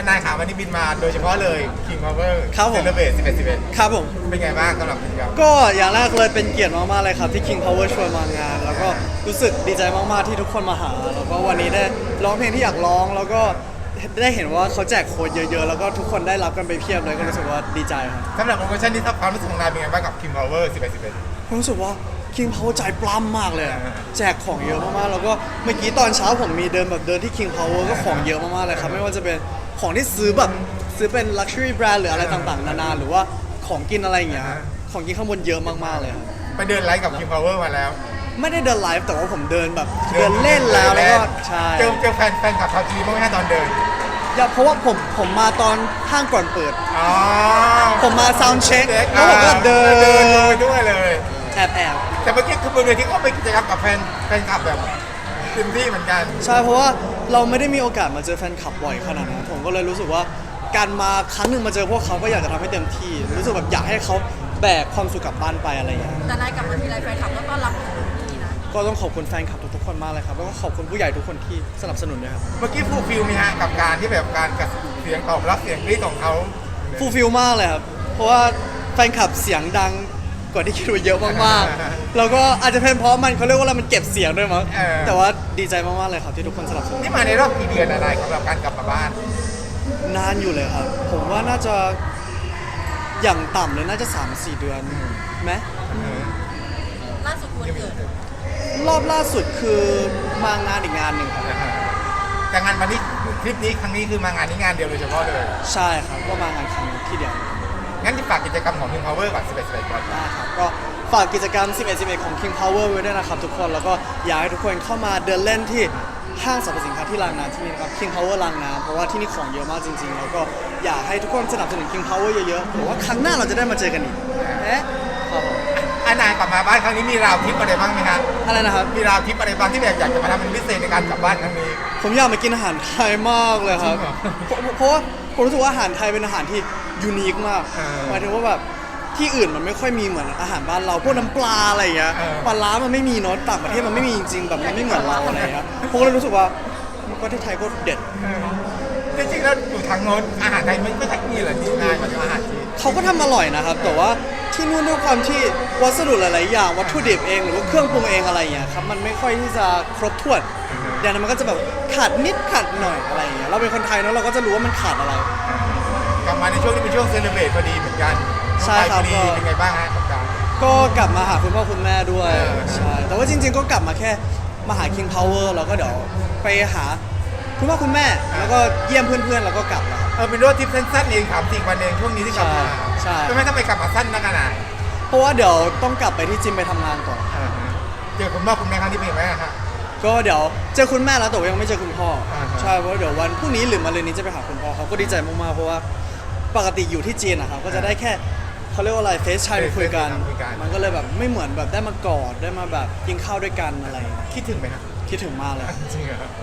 นายขาวันนี้บินมาโดยเฉพาะเลย King Power ครับผมเซเลเบรต11 ครับผมเป็นไงบ้างสำหรับกิจกรรมก็อย่างแรกเลยเป็นเกียรติมากๆเลยครับที่ King Power ชวนมางาน แล้วก็รู้สึกดีใจมากๆที่ทุกคนมาหา แล้วก็วันนี้ได้ร้องเพลงที่อยากร้อง แล้วก็ได้เห็นว่าเขาแจกโค้ดเยอะๆ แล้วก็ทุกคนได้รับกันไปเพียบเลยก็รู้สึกว่าดีใจครับสำหรับโปรโมชั่นนี้ถ้าความรู้สึกของนายเป็นไงบ้างกับ King Power ผมรู้สึกว่า King Power ใจปล้ำมากเลยอะแจกของเยอะมากๆ แล้วก็เมื่อกี้ตอนเช้าผมมีเดินที่ King Power ก็ของเยอะมากๆเลยครับไม่ว่าจะเป็นของที่ซื้อเป็น luxury brand หรืออะไรต่างๆนานาหรือว่าของกินอะไรอย่างเงี้ยของกินข้างบนเยอะมากๆเลยครับไปเดินไลฟ์กับ King Power มาแล้วไม่ได้เดินไลฟ์แต่ว่าผมเดินแบบเดินเล่นแล้วก็ใช่เจอแฟนคลับชาวจีนบ้างไหมฮะตอนเดินอย่าเพราะว่าผมมาตอนห้างก่อนเปิดอ๋อผมมา sound check แล้วผมก็เดินลงไปด้วยเลยแอบแต่เมื่อกี้คือบนเวทีก็ไปกิจกรรมกับแฟนคลับแบบเต็มที่เหมือนกันใช่เพราะว่าเราไม่ได้มีโอกาสมาเจอแฟนคลับบ่อยขนาดนั้นผมก็เลยรู้สึกว่าการมาครั้งหนึ่งมาเจอพวกเขาก็อยากจะทำให้เต็มที่รู้สึกแบบอยากให้เขาแบกความสุขกลับบ้านไปอะไรอย่างเงี้ยแต่นายกลับมาทีไรแฟนคลับก็ต้อนรับดีนะก็ต้องขอบคุณแฟนคลับทุกๆคนมากเลยครับแล้วก็ขอบคุณผู้ใหญ่ทุกคนที่สนับสนุนด้วยครับเมื่อกี้ฟูลฟิลมีฮะกับการที่แบบการกับเสียงตอบรับเสียงกรี๊ดของเขาฟูลฟิลมากเลยครับเพราะว่าแฟนคลับเสียงดังกว่าที่คิดไว้เยอะมากๆแล้วก็อาจจะเป็นเพราะมันเขาเรียกว่าอะไรมันเก็บเสียงด้วยมั้งแต่ว่าดีใจมากๆเลยครับที่ทุกคนสนับสนุนนี่มาในรอบกี่เดือนอะไรสำหรับการกลับมาบ้านนานอยู่เลยครับ ผมว่าน่าจะอย่างต่ำเลยน่าจะ 3-4 เดือนไหมล่าสุดวันเกิดรอบล่าสุดคือมางานอีกงานหนึ่งครับแต่งานวันนี้คลิปนี้ครั้งนี้คือมางานนี้งานเดียวโดยเฉพาะเลยใช่ครับก็มางานครั้งที่เดียวงั้นที่ฝากกิจกรรมของ King Power ก่อน11ก่อนได้ครับก็ฝากกิจกรรม 11 ของ King Power ไว้ด้วยนะครับทุกคนแล้วก็อยากให้ทุกคนเข้ามาเดินเล่นที่ห้างสรรพสินค้าที่รางน้ำที่นี่นะครับ King Power รางน้ำเพราะว่าที่นี่ของเยอะมากจริงๆแล้วก็อยากให้ทุกคนสนับสนุน King Power เยอะๆเพราะว่าครั้งหน้าเราจะได้มาเจอกันอีกครับผมนายกลับมาบ้านครั้งนี้มีราวทิปอะไรบ้างไหมครับอะไรนะครับมีราวทิปอะไรบ้างที่แบบอยากจะมาทำเป็นพิเศษในการกลับบ้านครั้งนี้ผมอยากมากินอาหารไทยมากเลยครับจริงเหรอเพราะว่าผมรู้สึกว่าอาหารไทยเป็นอาหารที่ยูนิคมากเออหมายถึงว่าแบบที่อื่นมันไม่ค่อยมีเหมือนอาหารบ้านเราพวกน้ำปลาอะไรอย่างเงี้ยเออปลาร้ามันไม่มีเนาะต่างประเทศมันไม่มีจริงๆแบบมันไม่เหมือนเราอะไรอย่างเงี้ยผมก็เลยรู้สึกว่าประเทศไทยก็เด็ดจริงๆแล้วอยู่ทางโน้นอาหารไทยมันไม่ใช่นี่เหรอที่นายมาจากอาหารจีนเขาก็ทำอร่อยนะครับ แต่ว่าที่นู่นด้วยความที่วัสดุหลาย ๆ อย่างวัตถุดิบเองหรือว่าเครื่องปรุงเองอะไรอย่างเงี้ยครับมันไม่ค่อยที่จะครบถ้วนอย่างนั้นมันก็จะแบบขาดนิดขาดหน่อยอะไรอย่างเงี้ยเราเป็นคนไทยเนาะเราก็จะรู้ว่ามันขาดอะไรกลับมาในช่วงที่เป็นช่วงเซเลบรตพอดีเหมือนกันใช่ครับพอดีเป็นไงบ้างฮะกับการก็กลับมาหาคุณพ่อคุณแม่ด้วยเออใช่แต่ว่าจริง ๆ ก็กลับมาแค่มาหา King Power แล้วก็เดี๋ยวไปหาคุณพ่อคุณแม่แล้วก็เยี่ยมเพื่อนๆแล้วก็กลับแล้วครับเป็นรถทริปสั้นๆเอง3-4 วันเองช่วงนี้ที่กลับมาใช่ทำไมต้องไปกลับมาสั้นนักกันอ่ะเพราะว่าเดี๋ยวต้องกลับไปที่จิมไปทำงานก่อนเจอคุณพ่อคุณแม่ครั้งนี้เป็นยังไงบ้างครับก็เดี๋ยวเจอคุณแม่แล้วแต่ว่ายังไม่เจอคุณพ่ออาฮะใช่เพราะเดี๋ยววันพรุ่งนี้หรือมะรืนนี้จะไปหาคุณพ่อเขาก็ดีใจมากๆเพราะว่าปกติอยู่ที่จีนนะครับก็จะได้แค่เขาเรียกว่าอะไรเฟซไทม์คุยกัน มันก็เลยแบบไม่เหมือนแบบได้มากอดได้มาแบบกินข้าวด้วยกันอะไรอย่างเงี้ยคิดถึงไหมครับคิดถึงมากเลยจริงเหรอครับ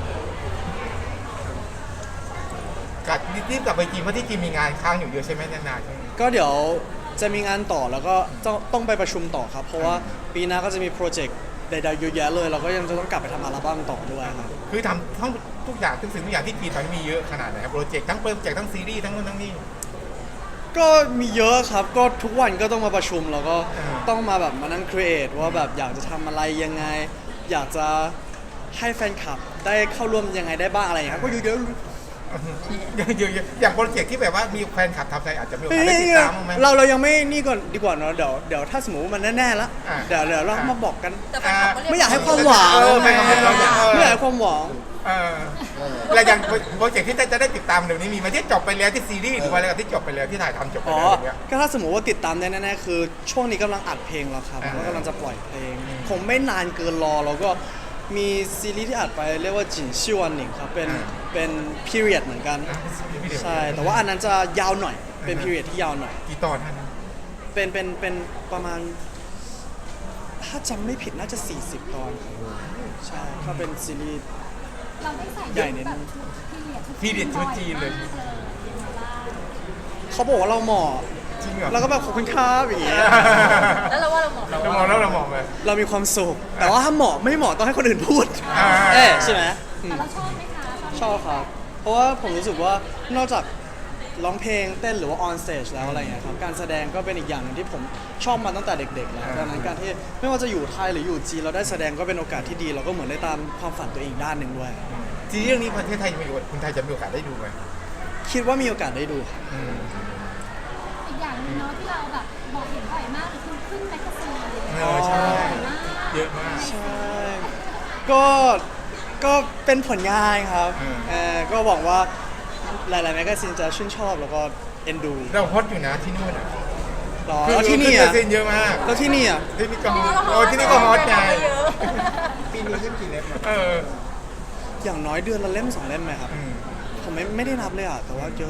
กลับรีบกลับไปจีนเพราะที่จีนมีงานค้างอยู่เยอะใช่ไหมนานๆใช่ไหมก็เดี๋ยวจะมีงานต่อแล้วก็ต้องไปประชุมต่อครับ เพราะว่าปีหน้าก็จะมีโปรเจกต์ใดๆเยอะแยะเลยเราก็ยังจะต้องกลับไปทำอัลบั้มต่อด้วยครับคือทำทั้งทุกอย่างทุกสิ่งทุกอย่างที่จีนตอนนี้มีเยอะขนาดไหนครับโปรเจกต์ทั้งซีรีส์ทั้งนู่นทั้งนี่ก็มีเยอะครับก็ทุกวันก็ต้องมาประชุมแล้วก็อ่าต้องมาแบบมานั่งครีเอทว่าแบบอยากจะทำอะไรยังไง อยากจะให้แฟนคลับได้เข้าร่วมยังไงได้บ้างอะไรอย่างเงี้ยครับก็เยอะอย่างโปรเจกต์ที่แบบว่ามีแฟนคลับทำใจอาจจะมีโอๆกาสได้ติดตามบ้างไหมเรายังไม่นี่ก่อนดีกว่าเนาะเดี๋ยวถ้าสมมติว่ามันแน่ๆแล้วอ่าเดี๋ยวเรามาบอกกันแต่แฟนคลับก็เรียกไม่อยากให้ความหวังไม่อยากให้ความหวังไม่อยากให้ความหวังเออแล้วอย่างโปรเจกต์ที่จะได้ติดตามเดี๋ยวนี้มีไหมที่จบไปแล้วที่ซีรีส์หรือว่าอะไรที่จบไปแล้วที่ถ่ายทำจบไปอ๋อแล้วอย่างเงี้ยก็ถ้าสมมติว่าติดตามได้แน่ๆคือช่วงนี้กำลังอัดเพลงแล้วครับอ่าแล้วกำลังจะปล่อยเพลงคงไม่นานเกินรอแล้วก็มีซีรีส์ที่อัดไปเรียกว่าจินชิวันหนิงครับเป็น period เหมือนกัน ใช่ แต่ว่าอันนั้นจะยาวหน่อย เป็น period ที่ยาวหน่อยกี่ตอนท่านเป็นประมาณ ถ้าจำไม่ผิดน่าจะ 40 ตอนครับใช่ก็เป็นซีรีส์เราได้ใส่ใหญ่นิดนึงพี่เด็ดชุดจีนเลยเขาบอกว่าเราเหมาะจริงเหรอแล้วก็แบบขอบคุณครับอย่างเงี้ยแล้วเราว่าเราเหมาะเรามองแล้วเรามองเลยเรามีความสุข แต่ว่าถ้าเหมาะไม่เหมาะต้องให้คนอื่นพูดอ่าเอ๊ะใช่ไหมอืแต่มเราชอบไหมคะชอบครับเพราะว่าผมรู้สึกว่านอกจากร้องเพลงเต้นหรือว่า on stage แล้วอะไรเงี้ยครับการแสดงก็เป็นอีกอย่างหนึ่งที่ผมชอบมาตั้งแต่เด็กๆแล้วดังนั้นการที่ไม่ว่าจะอยู่ไทยหรืออยู่จีนเราได้แสดงก็เป็นโอกาสที่ดีเราก็เหมือนได้ตามความฝันตัวเองด้านหนึ่งด้วยซีรีส์เรื่องนี้ประเทศไทยมีคนไทยจะมีโอกาสได้ดูไหมคิดว่ามีโอกาสได้ดูครับอีกอย่างหนึงเนาะที่เราแบบบอกเห็นบ่อยมากเลยคือขึ้นแมกกาซีนใช่บ่อยมากเยอะมากใช่ก็เป็นผลงานครับ ก็หวังว่าหลายๆแมกกาซีนจะชื่นชอบแล้วก็เอ็นดูเราฮอตอยู่นะที่นู่นอ่ะหรอแล้วที่นี่ขึ้อ่ะเซ็นเยอะมากแล้วที่นี่อ่ะที่นี่ก็ที่นี่ก็ฮอตไงเยอะปีนี้ขึ้นกี่เล่มเอออย่างน้อยเดือนละเล่ม2 เล่มไหมครับ ผมไม่ได้นับเลยอ่ะแต่ว่าเยอะ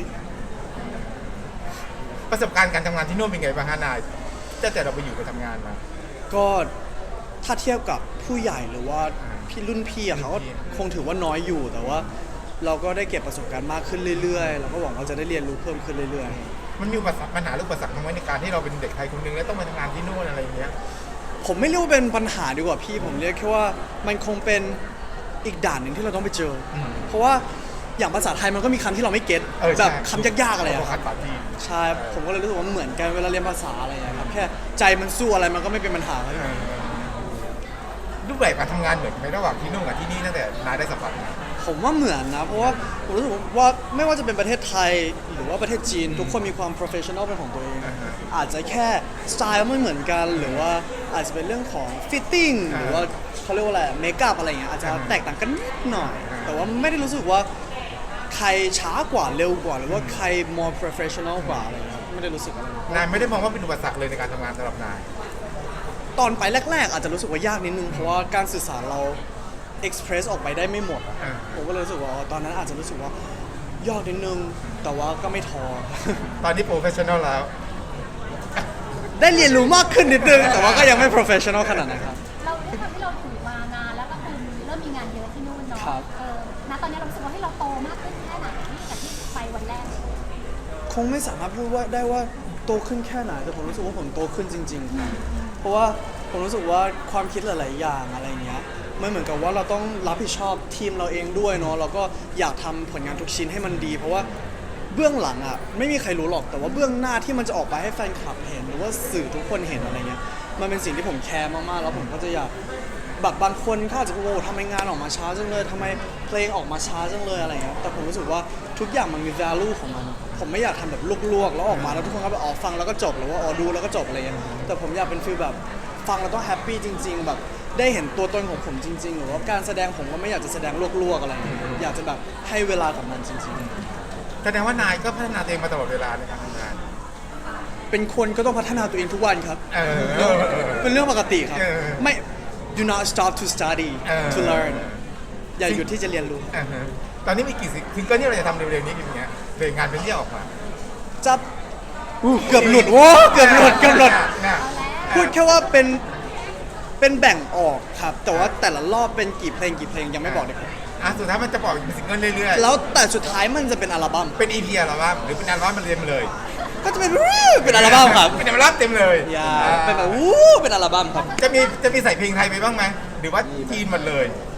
ประสบการณ์การทำงานที่นู่นเป็นไงบ้างฮะนายตั้งแต่เราไปอยู่ไปทำงานมาก็ถ้าเทียบกับผู้ใหญ่หรือว่าพี่รุ่นพี่อะเขาก็คงถือว่าน้อยอยู่ แต่ว่าเราก็ได้เก็บประสบการณ์มากขึ้นเรื่อยๆเราก็หวังว่าจะได้เรียนรู้เพิ่มขึ้นเรื่อยๆมันมีปัญหาหรืออุปสรรคทางในการที่เราเป็นเด็กไทยคนหนึงแล้วต้องมาทำงานที่นู่นอะไรอย่างเงี้ยผมไม่เรียกว่าเป็นปัญหาดีกว่าพี่ผมเรียกแค่ว่ามันคงเป็นอีกด่านหนึ่งที่เราต้องไปเจออเพราะว่าอย่างภาษาไทยมันก็มีคำที่เราไม่เก็ตใช่แบบคำยากๆอะไรอะภาคษารับปาจีนใช่ผมก็เลยรู้สึกว่าเหมือนกันเวลาเรียนภาษาอะไรอย่างเงี้ยครับแค่ใจมันสู้อะไรมันก็ไม่เป็นปัญหาครับรูปแบบการทำงานเหมือนไหมระหว่างที่นู่นกับที่นี่ตั้งแต่นายได้สัมผัสมาผมว่าเหมือนนะเพราะว่าผมรู้สึกว่าไม่ว่าจะเป็นประเทศไทยหรือว่าประเทศจีน ทุกคนมีความ professional เป็นของตัวเอง อาจจะแค่สไตล์ไม่เหมือนกันหรือว่าอาจจะเป็นเรื่องของ fitting หรือว่าเขาเรียกว่าอะไรเมคอัพอะไรอย่างเงี้ยอาจจะแตกต่างกันนิดหน่อย แต่ว่าไม่ได้รู้สึกว่าใครช้ากว่าเร็วกว่า หรือว่าใคร more professional กว่าอะไรเงี้ยไม่ได้รู้สึกอะไรนายไม่ได้มองว่าเป็นอุปสรรคเลยในการทำงานสำหรับนายตอนไปแรกๆ อาจจะรู้สึกว่ายากนิดนึงเพราะว่าการสื่อสารเรา express ออกไปได้ไม่หมดอะผมก็เลยรู้สึกว่าตอนนั้นอาจจะรู้สึกว่ายากนิดนึงแต่ว่าก็ไม่ท้อตอนนี้โปรเฟชชั่นอลแล้วได้เรียนรู้มากขึ้นนิดนึงแต่ว่าก็ยังไม่ professional ขนาดนั้นครับเราด้วยความที่เราถือมานานแล้วก็คือเริ่มมีงานเยอะที่นู่นเนาะครับณตอนนี้เรารู้สึกว่าให้เราโตมากขึ้นแค่ไหนจากที่ไปวันแรกคงไม่สามารถพูดว่าได้ว่าโตขึ้นแค่ไหนแต่ผมรู้สึกว่าผมโตขึ้นจริงๆครับเพราะว่าผมรู้สึกว่าความคิดหลายๆอย่างอะไรเงี้ยมันเหมือนกับว่าเราต้องรับผิดชอบทีมเราเองด้วยเนาะเราก็อยากทำผลงานทุกชิ้นให้มันดี เพราะว่าเบื้องหลังอ่ะไม่มีใครรู้หรอกแต่ว่าเบื้องหน้าที่มันจะออกไปให้แฟนคลับเห็นหรือว่าสื่อทุกคนเห็นอะไรเงี้ยมันเป็นสิ่งที่ผมแคร์มากๆแล้วผมก็จะอยากแบบบางคนเขาอาจจะพูดว่าทำไมงานออกมาช้าจังเลยทำไมเพลงออกมาช้าจังเลยอะไรเงี้ยแต่ผมรู้สึกว่าทุกอย่างมันมี value ของมันผมไม่อยากทำแบบลวกๆแล้วออกมาแล้วทุกคนก็แบบฟังแล้วก็จบหรือว่าดูแล้วก็จบอะไรเงี้ยแต่ผมอยากเป็นฟีลแบบฟังแล้วต้องแฮปปี้จริงๆแบบได้เห็นตัวตนของผมจริงๆหรือว่าการแสดงผมก็ไม่อยากจะแสดงลวกๆอะไรเงี้ยอยากจะแบบให้เวลากับมันจริงๆแสดงว่านายก็พัฒนาตัวเองมาตลอดเวลาในการทำงานเป็นคนก็ต้องพัฒนาตัวเองทุกวันครับเออเป็นเรื่องปกติครับเออไม่ do not stop to study เออ to learn อย่าหยุดที่จะเรียนรู้อ่าฮะตอนนี้มีกี่ซิงเกิลที่เราจะทำเร็วๆนี้อย่างเงี้ยเพลงงานเป็นที่ออกมาจะเกือบหลุดว้าเกือบหลุดน่ะพูดแค่ว่าเป็นแบ่งออกครับ แต่ว่าแต่ละรอบเป็นกี่เพลงยังไม่บอกเลยครับสุดท้ายมันจะปล่อยเป็นซิงเกิลเรื่อยแล้วแต่สุดท้ายมันจะเป็นอัลบั้มๆ เป็น EP อัลบั้มหรือเป็นอัลบั้มมันเรียนมาเลยก็จะเป็นเป็นอัลบั้มครับเป็นอัลบั้มเต็มเลยอย่าเป็นแบบเป็นอัลบั้มครับจะมีใส่เพลงไทยไปบ้างไหมหรือว่าจีนหมดเลย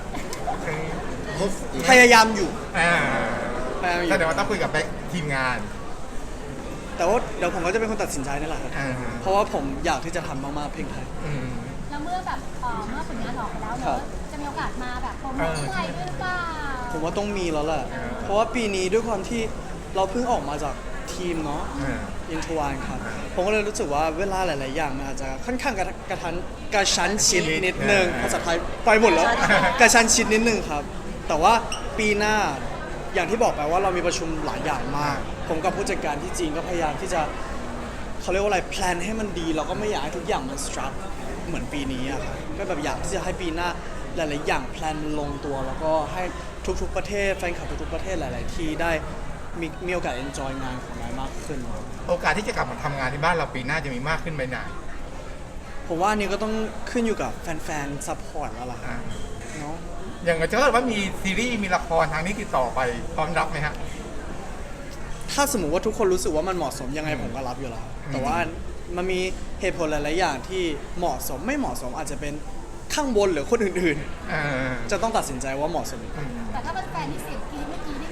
พยายามอยู่อ่าพยายามอยู่แสดงว่าต้องคุยกับแบ็คทีมงานแต่ว่าเดี๋ยวผมก็จะเป็นคนตัดสินใจนี่แหละครับอ่าฮะเพราะว่าผมอยากที่จะทำมากๆเพลงไทยอืมแล้วเมื่อแบบเมื่อผลงานออกไปแล้วครัเนาะบจะมีโอกาสมาแบบโปรโมทที่ไทยด้วยหรือเปล่าผมว่าต้องมีแล้วแหละอ่าเพราะว่าปีนี้ด้วยความที่เราเพิ่งออกมาจากทีมเนาะอ่าอินทวานครับ ผมก็เลยรู้สึกว่าเวลาหลาย ๆ อย่างมันอาจจะค่อนข้างกระชั้นชิดนิดนึงภาษาไทยไปหมดแล้ว กระชั้นชิดนิดนึงครับ แต่ว่าปีหน้าอย่างที่บอกไปว่าเรามีประชุมหลายอย่างมาก ผมกับผู้จัดการที่จีนก็พยายามที่จะเขาเรียกว่าอะไรแพลนให้มันดีเราก็ไม่อยากให้ทุกอย่างมันสตรัคเหมือนปีนี้อะครับก็แบบอยากที่จะให้ปีหน้าหลาย ๆ อย่างแพลนมันลงตัว แล้วก็ให้ทุก ๆ ประเทศแฟนคลับทุก ๆ ประเทศหลาย ๆ ที่ได้มีโอกาส enjoy งานของนายมากขึ้นโอกาสที่จะกลับมาทำงานที่บ้านเราปีหน้าจะมีมากขึ้นไหมนายผมว่าอันนี้ก็ต้องขึ้นอยู่กับแฟนๆซัพพอร์ตแล้วล่ะครับเนาะอย่างถ้าเกิดว่ามีซีรีส์มีละครทางนี้ติดต่อไปพร้อมรับไหมฮะถ้าสมมุติว่าทุกคนรู้สึกว่ามันเหมาะสมยังไงผมก็รับอยู่แล้วแต่ว่ามันมีเหตุผลหลาย ๆ อย่างที่เหมาะสมไม่เหมาะสมอาจจะเป็นข้างบนหรือคนอื่นเออๆ จะต้องตัดสินใจว่าเหมาะสมแต่ถ้าเป็นแฟนที่เสียงกรี๊ดเมื่อกี้นี่คือแบบ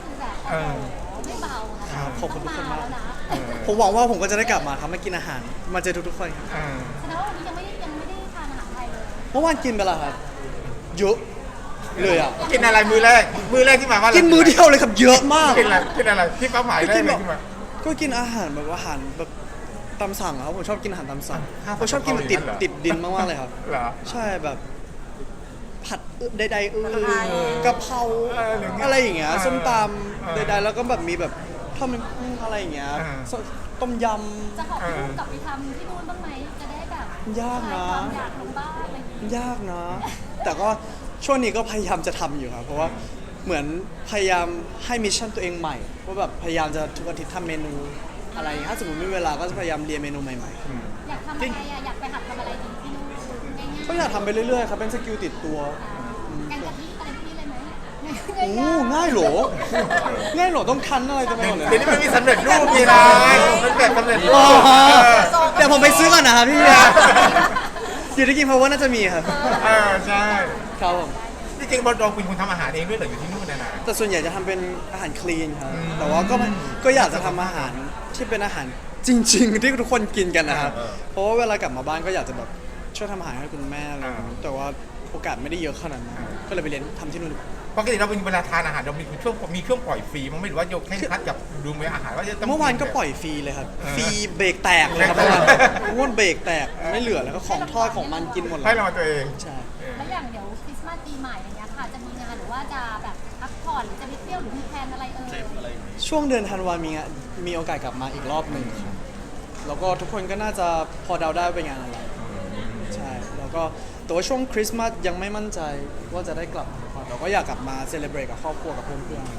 เออไม่เบานะครัคะบขอบคุณทุกคนมากต้องแล้วนะผมหวังว่าผมก็จะได้กลับมาครับมากินอาหาร มาเจอทุกๆคนครับเออแสดงว่าวันนี้ยังไม่ได้ทานอาหารไทยเลยเมื่อวานกินไปแล้วครับเยอะเลยอ่ะกินอะไรมือแรกที่มาว่ากินมื้อเดียวเลยครับเยอะมากกินอะไรที่เป้าหมายแรกเลยที่มาก็กินอาหารแบบอาหารแบบตามสั่งอะครับผมชอบกินอาหารตามสั่งข้าวผัดผมชอบกินแบบติดเกาหลีนั่นเหรอติดดินมากๆเลยครับเหรอใช่แบบผัดใดๆกะเพราหรือไงอะไรอย่างเงี้ยส้มตเออำใดๆแล้วก็แบบมีแบบทอดมันกุ้งอะไรอย่างเงี้ยเออต้มยจะขอบคุณกลับไปทำที่นู่นบ้างไหมจะได้แบบยากนะคลายความอยากลงบ้านอะไรอย่างงี้ำยากนะ แต่ก็ช่วงนี้ก็พยายามจะทำอยู่ครับเพราะว่าเหมือนพยายามให้มิชชั่นตัวเองใหม่ว่าแบบพยายามจะทุกอาทิตย์ทำเมนูอะไรอย่างเงี้ยถ้าสมมติมีเวลาก็จะพยายามเรียนเมนูใหม่อยากทำอะไรอะอยากไปหัดทำอะไรดีที่นู่นง่ายๆก็อยากทำไปเรื่อยๆครับเป็นสกิลติดตัวๆแกงกะทิอะไรพวกนี้เลยไหมโอ้ง่ายเหรอ ง่ายเหรอต้องคั้นอะไรจะไปหมดเลยเดี๋ยวนี้มันมีสำเร็จรูปนี่นะมันแบบสำเร็จรูอ๋อปเดี๋ยวผมไปซื้อก่อนนะครับพี่อยู่ที่กินเพราะว่าน่าจะมีครับใช่ครับผมที่จริงบอลดองคุณทำอาหารเองด้วยเหรออยู่ที่นู่นนะแต่ส่วนใหญ่จะทำเป็นอาหารคลีนครับอืมแต่ว่าก็อยากจะทำอาหารที่เป็นอาหารจริง ๆ ที่ทุกคนกินกันนะครับ เพราะว่าเวลากลับมาบ้านก็อยากจะแบบช่วยทำอาหารให้คุณแม่อะไรอย่างเงี้ยแต่ว่าโอกาสไม่ได้เยอะขนาดนั้นก็เลยไปเรียนทำที่นู่นดีกว่าปกติเราเป็นเวลาทานอาหารเรามีช่วงปล่อยฟรีมั้งไม่หรือว่าโยกเคร่งครัดกับดูมื้ออาหารว่าจะต้องเมื่อวานก็ปล่อยฟรีเลยครับ ฟรีเบรกแตกเลยครับเมื่อวานเมื่อวานเบรกแตกไม่เหลือแล้วก็ของทอดของมันกินหมดเลให้ยรางวัลตัวเองใช่แล้วอย่างเดี๋ยวคริสต์มาสปีใหม่อย่างเงี้ยค่ะจะมีงานหรือว่าจะแบบพักผ่อนหรือจะไปเที่ยวหรือมีแพลนอะไรเอ่ยช่วงเดือนธันวามีโอกาสกลับมาอีกรอบหนึ่งครับแล้วก็ทุกคนก็น่าจะพอเดาได้ว่าเป็นงานอะไรใช่แล้วก็แต่ว่าช่วงคริสต์มาสยังไม่มั่นใจว่าจะได้กลับมาหรือเปล่าแต่ก็อยากกลับมาเซเลบรตกับครอบครัวกับเพื่อน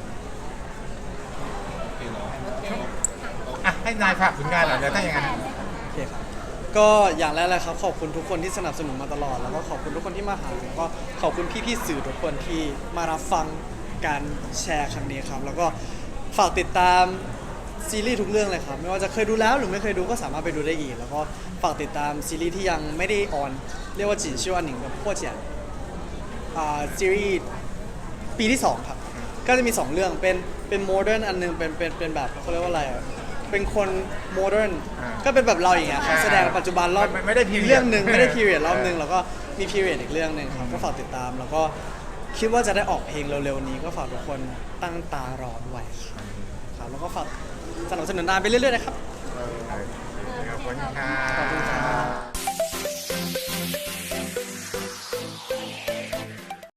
อ่ะให้นายฝากผลงานหน่อยเดี๋ยวถ้าอย่างนั้นๆโอเคครับก็อย่างแรกเลยครับขอบคุณทุกคนที่สนับสนุนมาตลอดแล้วก็ขอบคุณทุกคนที่มาหาแล้วก็ขอบคุณพี่ๆสื่อทุกคนที่มารับฟังการแชร์ครั้งนี้ครับแล้วก็ฝากติดตามซีรีส์ทุกเรื่องเลยครับไม่ว่าจะเคยดูแล้วหรือไม่เคยดูก็สามารถไปดูได้อีก แล้วก็ฝากติดตามซีรีส์ที่ยังไม่ได้ออนเรียกว่าจีชื่อว่าหนิงกับพวกเจียนซีรีส์ปีที่ 2 ครับ ก็จะมี 2 เรื่องเป็นโมเดิร์นอันหนึงเป็นแบบเขาเรียกว่าอะไรอะเป็นคนโมเดิร์นก็เป็นแบบเราอย่างเงี้ยครับแสดงปัจจุบันรอบไม่ได้ period เรื่องหนึ่งไม่ได้พีเรียดรอบหนึ่งแล้วก็มีพีเรียดอีกเรื่องหนึ่งครับก็ฝากติดตามแล้วก็คิดว่าจะได้ออกเพลงเร็วๆนี้ก็ฝากทุกคนตั้งตารอด้วยครับแล้วก็ฝากสนับสนุนนานไปเรื่อยๆนะครับขอบคุณค่ะขอบคุณครับ